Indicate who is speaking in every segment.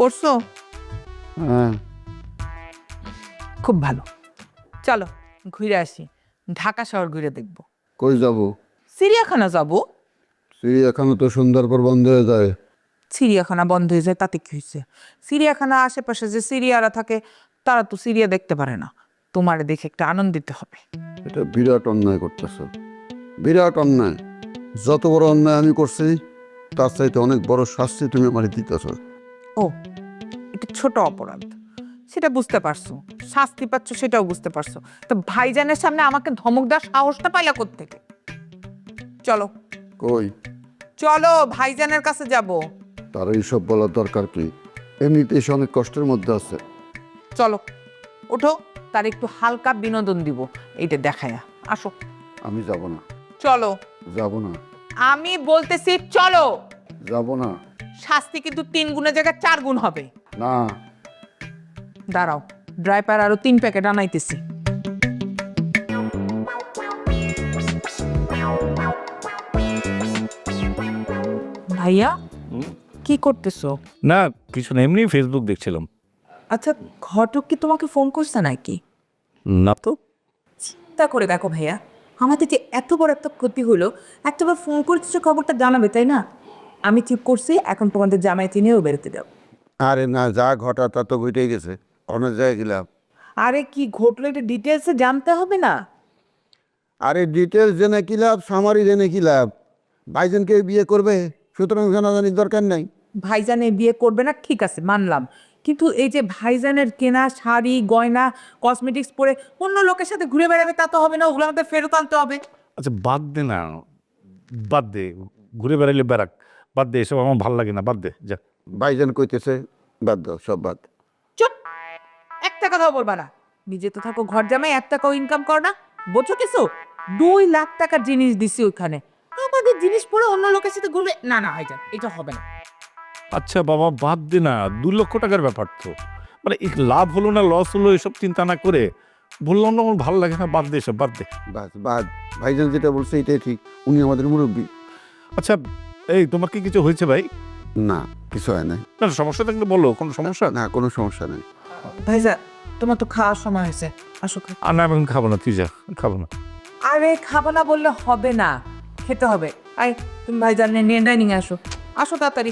Speaker 1: পড়ছো?
Speaker 2: হ্যাঁ।
Speaker 1: খুব ভালো, চলো ঘুরে আসি, ঢাকা শহর ঘুরে দেখব।
Speaker 2: কই যাব?
Speaker 1: চিড়িয়াখানা যাব।
Speaker 2: চিড়িয়াখানা তো সন্ধ্যার পর বন্ধ হয়ে যায়।
Speaker 1: চিড়িয়াখানা বন্ধ হয়ে যায় তাতে কি হয়েছে? চিড়িয়াখানা আশেপাশে যে সিরিয়ারা থাকে তারা তো সিরিয়া দেখতে পারে না, তোমারে দেখে একটা আনন্দ দিতে হবে।
Speaker 2: এটা বিরাট অন্যায় করতেছ, বিরাট অন্যায়। যত বড় অন্যায় আমি করছি তার চাইতে অনেক বড় শাস্তি তুমি আমার দিতেছ।
Speaker 1: ও, এটা ছোট অপরাধ, সেটা বুঝতে পারছো। শাস্তি পাচ্ছ সেটাও বুঝতে পারছো, তো ভাইজানের সামনে আমাকে ধমক দেওয়ার সাহসটা পাইলা কোত্থেকে? চলো
Speaker 2: কই?
Speaker 1: চলো, ভাইজানের কাছে যাব।
Speaker 2: তার এইসব বলার দরকার কি? এমনিতেই সে অনেক কষ্টের মধ্যে আছে।
Speaker 1: চলো ওঠো, তার একটু হালকা বিনোদন দিব, এইটা দেখায়া আসো।
Speaker 2: আমি যাব না,
Speaker 1: চলো।
Speaker 2: যাব না,
Speaker 1: আমি বলতেছি চলো।
Speaker 2: যাব না।
Speaker 1: শাস্তি কিন্তু 3 গুণের জায়গায় 4 গুণ হবে।
Speaker 2: না।
Speaker 1: দাঁড়াও, ড্রাইভার আরো 3 প্যাকেট আনাইতেছি। ভাইয়া কি করতেছো?
Speaker 3: না কিছু না, এমনি ফেসবুক দেখছিলাম।
Speaker 1: আচ্ছা, ঘটক কি তোমাকে ফোন করছে নাকি?
Speaker 3: না তো।
Speaker 1: চিন্তা করে দেখো ভাইয়া, আমাদের যে এত বড় একটা ক্ষতি হলো, একটাবার ফোন করতেছো খবরটা জানাবে তাই না? আমি ঠিক করছি এখন তোমাদের জামাইতে নিয়েও বেরোতে দাও।
Speaker 2: আরে না, যা ঘটা তা তো ঘটেই গেছে, অনেক জায়গায় গেলাম।
Speaker 1: আরে কি ঘটলো এটা ডিটেলসে জানতে হবে না?
Speaker 2: আরে ডিটেলস জেনে কি লাভ, সামারি জেনে কি লাভ? ভাইজানকে বিয়ে করবে, সুতরাং জানাজানির দরকার নাই।
Speaker 1: ভাইজানে বিয়ে করবে না ঠিক আছে মানলাম, কিন্তু এই যে ভাইজানের কেনা শাড়ি গয়না কসমেটিক্স পরে অন্য লোকের সাথে ঘুরে বেড়াবে তা তো হবে না, ওগুলো আমাদের ফেরত আনতে হবে।
Speaker 3: আচ্ছা বাদ দে না, বাদ দে, ঘুরে বেড়াইলে বেড়াক, বাদ দে, এসব আমার ভালো লাগে না, বাদ দে যা।
Speaker 2: ভাইজান কইতেছে বাদ দাও, সব বাদ।
Speaker 1: চুপ, একটা কথাও বলবা না। নিজে তো থাকো ঘর জামাই, 1 টাকাও ইনকাম কর না, বোঝো কিছু? 2 লাখ টাকার জিনিস দিছি ওইখানে, আমাদের জিনিস পরে অন্য লোকের সাথে ঘুরবে না? না ভাইজান এটা হবে না।
Speaker 3: আচ্ছা বাবা বাদ দে না, 2 লক্ষ টাকার ব্যাপার তো, মানে এই লাভ হলো না লস হলো এসব চিন্তা না করে, বললাম না আমার ভালো লাগে না, বাদ দে এসব, বাদ দে।
Speaker 2: বাদ বাদ, ভাইজান যেটা বলছে এটাই ঠিক, উনি আমাদের মুরব্বী।
Speaker 3: আচ্ছা এই তোমার কি কিছু হয়েছে ভাই?
Speaker 2: না, কিছু হয় নাই।
Speaker 3: না সমস্যা থাকলে বলো, কোনো সমস্যা?
Speaker 2: না, কোনো সমস্যা নেই।
Speaker 1: ভাইজান তোমার তো খাওয়ার সময় হয়েছে, আসো।
Speaker 3: আর না আমি এখন খাবো না, তুই যা, খাবো না।
Speaker 1: আরে খাবো না বললে হবে না, খেতে হবে। আই, তুমি ভাইজান নিয়ে ডাইনিং এ আসো, আসো তাড়াতাড়ি।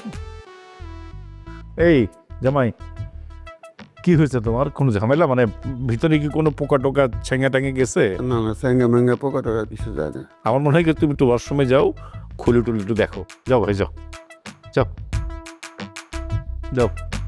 Speaker 3: এই জামাই, কি হয়েছে তোমার? কোনো ঝামেলা, মানে ভিতরে কি কোনো পোকা টোকা ছেঙ্গা টাঙে গেছে?
Speaker 2: না না, স্যাঙ্গা ম্যাঙ্গা পোকা টোকা কিছু যায় না।
Speaker 3: আমার মনে হয় কি তুমি একটু ওয়াশরুমে যাও, খুলে টুলে একটু দেখো, যাও ভাই যাও, যাও যাও।